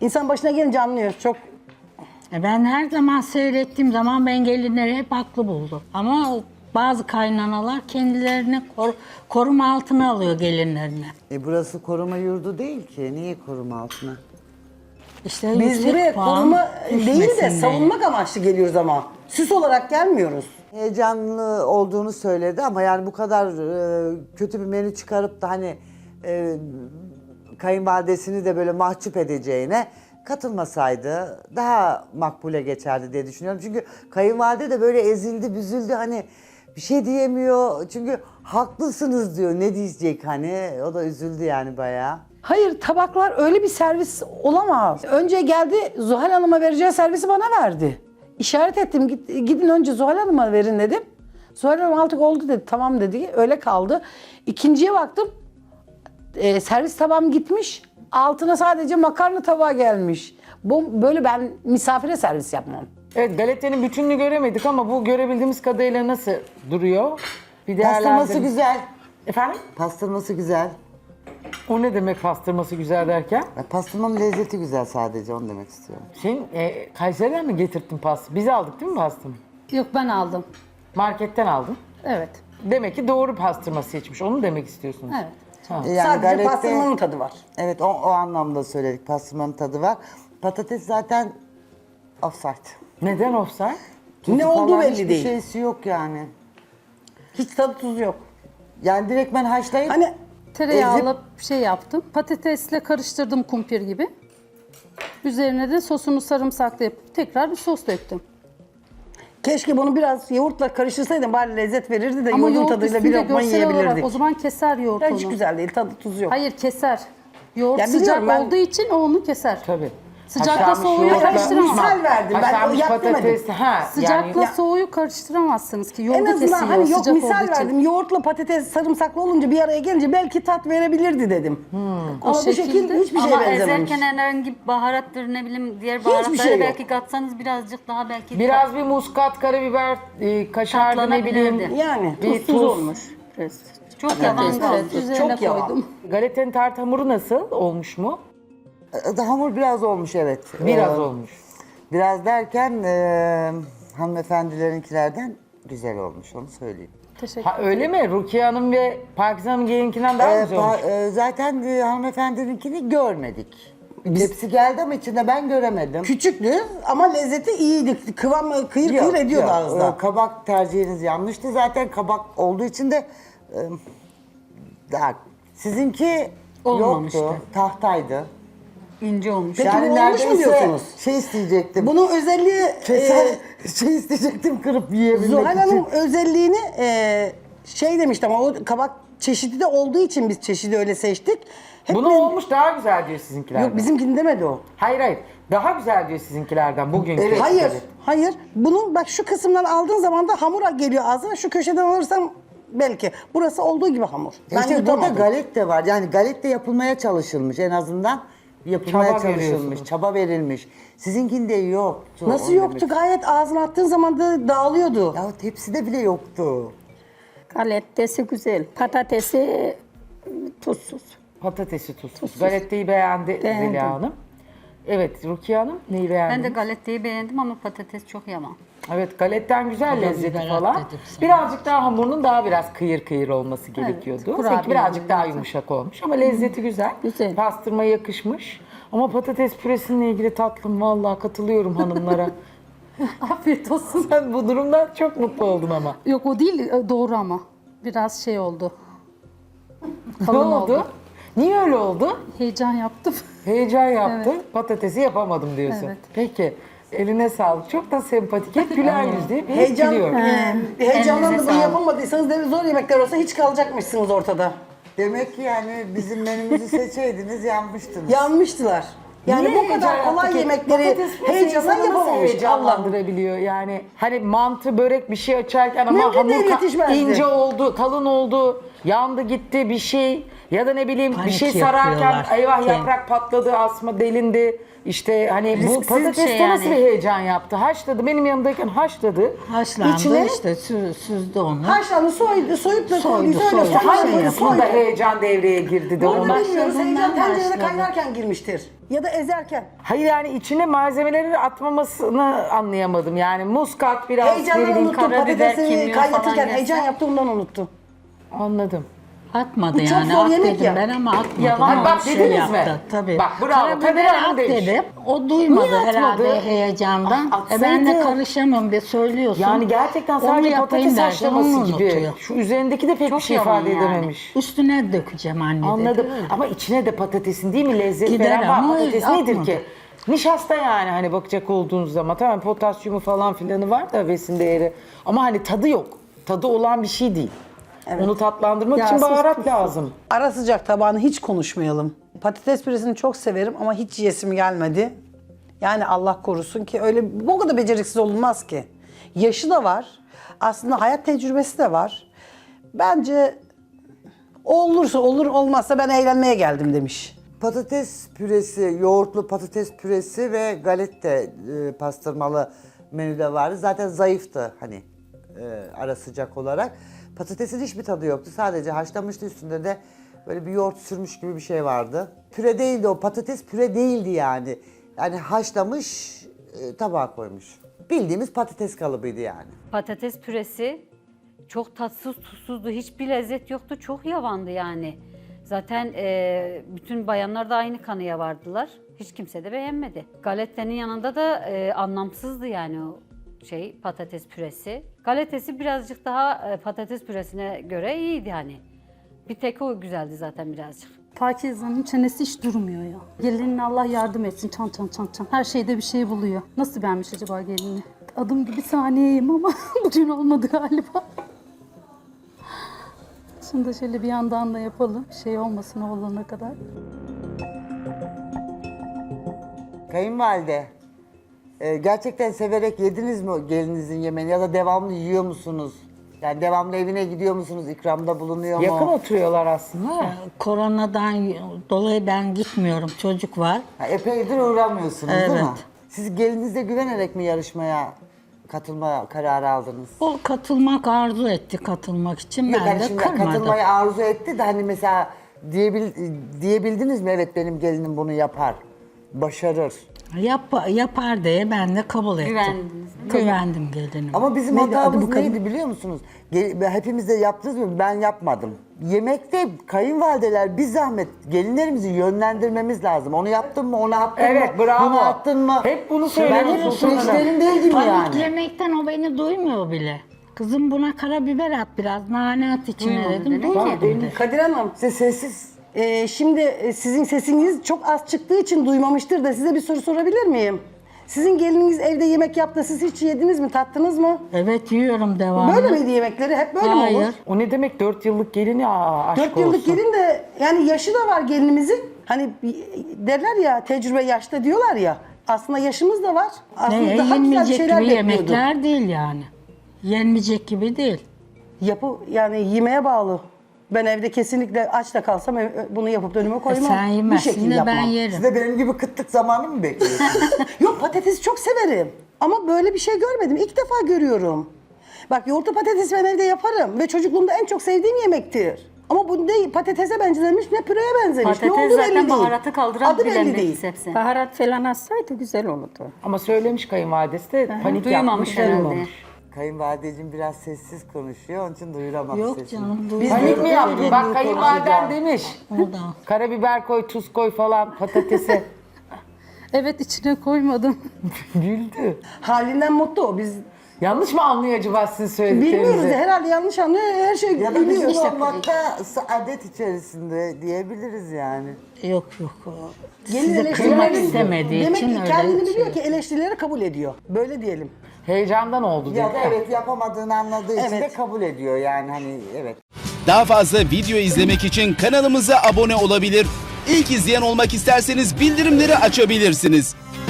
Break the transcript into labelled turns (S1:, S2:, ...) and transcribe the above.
S1: İnsan başına gelince anlıyor. Çok
S2: Ben her zaman seyrettiğim zaman ben gelinleri hep haklı buldum. Ama bazı kaynanalar kendilerini koruma altına alıyor gelinlerini.
S3: Burası koruma yurdu değil ki. Niye koruma altına?
S2: İşte
S1: biz
S2: yüksek
S1: buraya
S2: puan
S1: koruma değil de
S2: düşmesin diye.
S1: savunmak amaçlı geliyoruz ama. Süs olarak gelmiyoruz.
S3: Heyecanlı olduğunu söyledi ama yani bu kadar kötü bir menü çıkarıp da hani kayınvalidesini de böyle mahcup edeceğine katılmasaydı daha makbule geçerdi diye düşünüyorum. Çünkü kayınvalide de böyle ezildi, büzüldü, hani bir şey diyemiyor. Çünkü haklısınız diyor. Ne diyecek hani? O da üzüldü yani bayağı.
S4: Hayır, tabaklar öyle bir servis olamaz. Önce geldi Zuhal Hanım'a vereceği servisi bana verdi. İşaret ettim, gidin önce Zuhal Hanım'a verin dedim. Zuhal Hanım artık oldu dedi, tamam dedi, öyle kaldı. İkinciye baktım, servis tabağım gitmiş, altına sadece makarna tabağı gelmiş. Böyle ben misafire servis yapmam.
S5: Evet, galetenin bütününü göremedik ama bu görebildiğimiz kadarıyla nasıl duruyor? Bir
S3: Pastırması
S5: değerlendirin.
S3: güzel.
S5: Efendim?
S3: Pastırması güzel.
S5: O ne demek pastırması güzel derken?
S3: Pastırmanın lezzeti güzel sadece, onu demek istiyorum.
S5: Sen Kayseri'den mi getirdin pastı? Biz aldık değil mi pastımı?
S6: Yok ben aldım.
S5: Marketten aldın.
S6: Evet.
S5: Demek ki doğru pastırma seçmiş. Onu demek istiyorsunuz.
S6: Evet.
S3: Yani
S1: Sadece
S3: galette-
S1: pastırmanın tadı var.
S3: Evet, o anlamda söyledik. Pastırmanın tadı var. Patates zaten offside.
S5: Neden offside?
S3: Tuzu
S1: Ne olduğu
S3: falan
S1: belli
S3: hiçbir
S1: değil.
S3: şeysi yok yani.
S1: Hiç tadı tuzu yok.
S3: Yani direkt ben haşlayıp
S1: Hani
S6: Tereyağlı şey yaptım. Patatesle karıştırdım kumpir gibi. Üzerine de sosunu sarımsaklı yapıp tekrar bir sos döktüm.
S1: keşke bunu biraz yoğurtla karıştırsaydın bari lezzet verirdi de
S6: Ama
S1: yoğurdun
S6: yoğurt
S1: tadıyla bir
S6: üstünde
S1: lokma
S6: görsel olarak
S1: yiyebilirdik.
S6: o zaman keser yoğurt
S1: Ya
S6: onu.
S1: hiç güzel değil, tadı tuzu yok.
S6: Hayır keser. Yoğurt
S1: Ya
S6: sıcak
S1: biliyorum ben-
S6: olduğu için o onu keser.
S5: Tabii.
S6: Sıcakla
S5: Haşlanmış
S6: soğuğu
S5: yoğurtla-
S6: karıştıramam.
S1: Misal verdim ben,
S5: Haşlanmış
S1: yap demedim.
S5: patates. Ha,
S6: Sıcakla
S5: yani,
S6: soğuğu karıştıramazsınız ki.
S1: En
S6: Yoğurdu
S1: azından
S6: kesiyor
S1: hani yok
S6: sıcak
S1: misal
S6: olduğu için.
S1: verdim. Yoğurtla patates sarımsaklı olunca bir araya gelince belki tat verebilirdi dedim. Ama bu şekil
S6: şekilde-
S1: hiçbir şey
S7: Ama
S1: benzememiş.
S7: ezerken herhangi bir baharattır ne bileyim diğer
S1: Hiçbir
S7: baharatları
S1: şey yok.
S7: belki katsanız birazcık daha belki
S5: biraz bir muskat, karabiber, kaşardı ne bileyim.
S7: Tatlanabilirdi.
S1: Yani
S5: Bir
S1: tuzsuz
S5: tuz.
S1: olmuş.
S7: çok yavan
S6: Evet,
S7: kaldı.
S6: üzerine
S1: Çok yavan.
S6: koydum.
S5: Galetenin tart hamuru nasıl? Olmuş mu?
S3: hamur biraz olmuş, evet.
S5: Biraz olmuş.
S3: Biraz derken hanımefendilerinkilerden güzel olmuş, onu söyleyeyim.
S6: Teşekkür
S5: Ha öyle mi? Rukiye Hanım ve Pakize Hanım gelinkinden daha güzel olmuş.
S3: Zaten hanımefendininkini görmedik. Tepsi geldi ama içinde ben göremedim.
S1: Küçüktü ama lezzeti iyiydi. Kıvam kıyır kıyır ediyordu ağızda.
S3: Kabak tercihiniz yanlıştı. Zaten kabak olduğu için de daha sizinki
S2: Olmamıştı.
S3: yoktu. Tahtaydı.
S7: İnce olmuş.
S1: Peki bu olmuş mu
S3: neredeyse
S1: diyorsunuz?
S3: şey isteyecektim.
S1: Bunun özelliği
S3: Şey isteyecektim, kırıp yiyebilmek
S1: Zuhal
S3: için.
S1: Hanım özelliğini şey demişti ama o kabak çeşidi de olduğu için biz çeşidi öyle seçtik. Hep
S5: Bunu
S1: biz-
S5: olmuş daha güzel diyor sizinkilerden.
S1: Yok bizimkini demedi o.
S5: Hayır hayır. Daha güzel diyor sizinkilerden bugünkü.
S3: Evet.
S1: Hayır, hayır. Bunun bak şu kısımdan aldığın zaman da hamura geliyor ağzına. Şu köşeden alırsam belki. Burası olduğu gibi hamur. Ben
S3: İşte burada
S1: yutamadım.
S3: galet de var. Yani galet de yapılmaya çalışılmış en azından. Yapılmaya
S5: Çaba
S3: çalışılmış,
S5: görüyorsunuz.
S3: çaba verilmiş. Sizinkinde yoktu.
S1: Nasıl
S3: onu
S1: yoktu?
S3: demek-
S1: Gayet ağzına attığın zaman da dağılıyordu.
S3: Ya tepside bile yoktu.
S8: Galettesi güzel. Patatesi tuzsuz.
S5: Patatesi tuzsuz. Galetteyi beğendi
S8: Beğendim.
S5: Zeliha Hanım. Evet Rukiye Hanım neyi beğendi?
S7: Ben de galetteyi beğendim ama patates çok yavan.
S5: Evet galetten güzel lezzeti
S2: biber
S5: falan.
S2: at dedim sana.
S5: Birazcık daha hamurunun daha biraz kıyır kıyır olması gerekiyordu.
S6: kurabiye
S5: Seninki birazcık
S6: gibi
S5: daha
S6: zaten.
S5: yumuşak olmuş ama lezzeti güzel.
S8: Güzel.
S5: Pastırma yakışmış. Ama patates püresinle ilgili tatlım vallahi katılıyorum hanımlara.
S6: Afiyet olsun.
S5: Sen bu durumdan çok mutlu oldun ama.
S6: Yok o değil doğru ama. Biraz şey oldu.
S5: Ne
S6: Kalın
S5: oldu? Niye öyle oldu?
S6: Heyecan yaptım.
S5: Heyecan yaptım. Patatesi yapamadım diyorsun.
S6: Evet.
S5: Peki. Eline sağlık. Çok da sempatik. Hep güler yüzlü. Hep
S1: Heyecan,
S5: gülüyor.
S1: heyecandan da
S7: Elinize
S1: bunu
S7: sağlık.
S1: yapamadıysanız de zor yemekler olsa hiç kalacakmışsınız ortada.
S3: Demek ki yani bizim menümüzü seçeydiniz yanmıştınız.
S1: Yanmıştılar. Yani
S5: Niye
S1: bu kadar
S5: heyecan
S1: kolay
S5: yaptı ki?
S1: yemekleri
S5: Patates püresi
S1: heyecandan
S5: insanı nasıl
S1: yapamamış. Allah.
S5: heyecanlandırabiliyor yani. Hani mantı, börek bir şey açarken ama
S1: Mümkün
S5: hamur
S1: değil, yetişmezdi.
S5: ince oldu, kalın oldu. yandı gitti bir şey ya da ne bileyim bir
S2: Panik
S5: şey sararken
S2: yapıyorlar.
S5: eyvah yaprak patladı, asma delindi. İşte hani bu
S7: Risksiz bir
S5: patateste
S7: şey
S5: nasıl
S7: yani.
S5: bir heyecan yaptı? Haşladı. Benim yanımdayken haşladı.
S2: Haşlandı
S1: İçine-
S2: işte süzdü onu.
S1: Haşlandı, soyup da
S2: Soydu,
S1: koyduysa öyle
S2: soydu.
S1: soydu.
S5: Hangi
S2: şey
S5: kısmında heyecan devreye girdi de
S1: Onu
S5: ona?
S1: bilmiyoruz. Heyecan
S2: Başladığından
S1: tencerede
S2: başladı.
S1: kaynarken girmiştir. Ya da ezerken.
S5: Hayır yani içine malzemeleri atmamasını anlayamadım. Yani muskat biraz ne
S1: Heyecandan
S5: bileyim,
S1: unuttu.
S7: karabiber,
S1: Patatesi
S7: kimyon falan
S1: kaynatırken
S7: gelse.
S1: heyecan yaptı, ondan unuttu.
S5: Anladım.
S2: Atmadı
S1: Bu çok
S2: yani.
S1: zor
S2: At
S1: yemek
S2: dedim
S1: ya.
S2: ben ama atmadı.
S5: Yalan.
S2: Ama
S5: Bak
S2: şey
S5: dediniz mi?
S2: yaptı, tabii.
S5: Bak, bravo. Kadir
S2: Karabiber
S5: Hanım
S2: at
S5: demiş.
S2: dedim. O duymadı
S5: Niye atmadı?
S2: herhalde heyecandan. Ben de
S5: Atsaydı.
S2: karışamam bir söylüyorsun.
S5: Yani gerçekten
S2: Onu
S5: sadece
S2: yapayım
S5: patates
S2: derken
S5: haşlaması
S2: onu
S5: gibi.
S2: unutuyor.
S5: Şu üzerindeki de pek
S7: Çok
S5: bir şey
S7: yavan
S5: ifade
S7: yani.
S5: edememiş.
S2: Üstüne dökeceğim anne
S5: Anladım.
S2: dedi.
S5: Ama içine de patatesin değil mi lezzet
S2: Gider
S5: veren var.
S2: ama
S5: Patates nedir
S2: atmadı.
S5: ki? Nişasta yani hani bakacak olduğunuz zaman. Tamam potasyumu falan filanı var da besin değeri. Ama hani tadı yok. Tadı olan bir şey değil. Onu tatlandırmak için baharat lazım.
S4: Ara sıcak tabağını hiç konuşmayalım. Patates püresini çok severim ama hiç yesim gelmedi. Yani Allah korusun ki öyle bu kadar beceriksiz olunmaz ki. Yaşı da var. Aslında hayat tecrübesi de var. Bence olursa olur, olmazsa ben eğlenmeye geldim demiş.
S3: Patates püresi, yoğurtlu patates püresi ve galette pastırmalı menüde vardı. Zaten zayıftı hani ara sıcak olarak. Patatesin hiçbir tadı yoktu. Sadece haşlamıştı, üstünde de böyle bir yoğurt sürmüş gibi bir şey vardı. Püre değildi o, patates püre değildi yani. Yani haşlamış, tabağa koymuş. Bildiğimiz patates kalıbıydı yani.
S7: Patates püresi çok tatsız tuzsuzdu. Hiçbir lezzet yoktu. Çok yavandı yani. Zaten bütün bayanlar da aynı kanıya vardılar. Hiç kimse de beğenmedi. Galettenin yanında da anlamsızdı yani o patates püresi. Galetesi birazcık daha patates püresine göre iyiydi hani. Bir tek o güzeldi zaten birazcık.
S6: Pakize'nin çenesi hiç durmuyor ya. Gelinin Allah yardım etsin. Çan çan çan çan. Her şeyde bir şey buluyor. Nasıl beğenmiş acaba gelini? Adım gibi saniyeyim ama bugün olmadı galiba. Şunu da şöyle bir yandan da yapalım. Bir şey olmasın o olana kadar.
S3: Kayınvalide, gerçekten severek yediniz mi gelinizin yemeğini ya da devamlı yiyor musunuz? Yani devamlı evine gidiyor musunuz? İkramda bulunuyor mu?
S5: Yakın oturuyorlar aslında.
S2: Koronadan dolayı ben gitmiyorum. Çocuk var.
S3: Ha, epeydir uğramıyorsunuz değil mi?
S2: Evet.
S3: Siz gelinize güvenerek mi yarışmaya katılma kararı aldınız?
S2: O katılmak arzu etti katılmak için.
S3: Yok,
S2: Ben
S3: hani
S2: de
S3: şimdi
S2: kırmadım.
S3: katılmayı arzu etti de hani mesela diyebildiniz mi? Evet benim gelinim bunu yapar, başarır.
S2: Yapar diye ben de kabul ettim.
S7: Güvendiniz,
S2: Güvendim gelinime.
S3: Ama bizim
S4: Neydi, adı
S3: hatamız
S4: bu kadın?
S3: neydi biliyor musunuz? Hepimiz de yaptınız mı? Ben yapmadım. Yemekte kayınvalideler bir zahmet gelinlerimizi yönlendirmemiz lazım. Onu yaptın mı? Onu attın mı?
S5: Evet bravo.
S3: Bunu attın mı?
S5: Hep bunu
S3: Ben
S5: söylüyorsun.
S3: hep süreçlerin değil gibi
S2: Panik
S3: yani.
S2: yemekten o beni duymuyor bile. Kızım buna karabiber at biraz, nane at içine
S7: Duymadı
S2: dedim.
S7: demek ki.
S2: Duymadım dedi.
S1: Kadir Hanım,
S3: İşte sessiz.
S1: şimdi sizin sesiniz çok az çıktığı için duymamıştır da size bir soru sorabilir miyim? Sizin gelininiz evde yemek yaptı, siz hiç yediniz mi, tattınız mı?
S2: Evet yiyorum devamlı.
S1: Böyle miydi yemekleri? Hep böyle mi olur?
S2: Hayır.
S5: O ne demek 4 yıllık gelini aşk
S1: 4 yıllık
S5: olsun.
S1: gelin de yani yaşı da var gelinimizin. Hani derler ya tecrübe yaşta diyorlar ya. Aslında yaşımız da var. Aslında
S2: Ne,
S1: daha güzel bir
S2: yenmeyecek
S1: şeyler
S2: gibi
S1: bekliyordu.
S2: yemekler değil yani. Yenmeyecek gibi değil.
S1: Yani yemeğe bağlı. Ben evde kesinlikle aç da kalsam bunu yapıp önüme koymam.
S2: Sen
S1: Bu
S2: yemezsin
S1: şekilde
S2: de ben
S1: yapmam.
S2: yerim.
S3: Siz de benim gibi kıtlık zamanı mı bekliyorsunuz?
S1: Yok, patatesi çok severim. Ama böyle bir şey görmedim. İlk defa görüyorum. Bak, yoğurtlu patates ben evde yaparım. Ve çocukluğumda en çok sevdiğim yemektir. Ama bu ne patatese benzemiş ne püreye benzemiş. ne
S7: Patates
S1: oldu belli
S7: zaten
S1: değil.
S7: baharatı kaldıran
S1: Adı
S7: bilen
S1: belli
S7: bir
S1: değil.
S7: sebze.
S8: Baharat falan atsaydı güzel olurdu.
S5: Ama söylemiş kayınvalidesi de panik
S7: Duymamış
S5: yapmış.
S7: herhalde.
S3: Kayınvalideciğim biraz sessiz konuşuyor, onun için duyuramadı
S2: Yok
S3: sesini.
S2: canım.
S5: Panik mi yaptın? Bak kayınvaliden
S3: konuşacağım.
S5: demiş.
S2: O da.
S5: Karabiber koy, tuz koy falan patatese.
S6: Evet, içine koymadım.
S5: Güldü.
S1: Halinden mutlu o. Biz
S5: Yanlış mı anlıyor acaba sizin söylediklerinizi?
S1: bilmiyoruz. Herhalde yanlış anlıyor. Her şey
S3: Ya da
S1: biliyor.
S3: bizim olmakta adet içerisinde diyebiliriz yani.
S2: Yok.
S1: Gelin
S2: Sizi
S1: eleştirileri
S2: kırmak
S1: biliyor.
S2: istemediği
S1: Demek
S2: için
S1: ki
S2: öyle
S1: kendini biliyor
S2: şey.
S1: ki eleştirileri kabul ediyor. Böyle diyelim.
S5: Heyecandan oldu dedi.
S3: Ya da evet yapamadığını anladığı için de
S1: Evet.
S3: kabul ediyor yani hani evet.
S9: Daha fazla video izlemek için kanalımıza abone olabilir. İlk izleyen olmak isterseniz bildirimleri açabilirsiniz.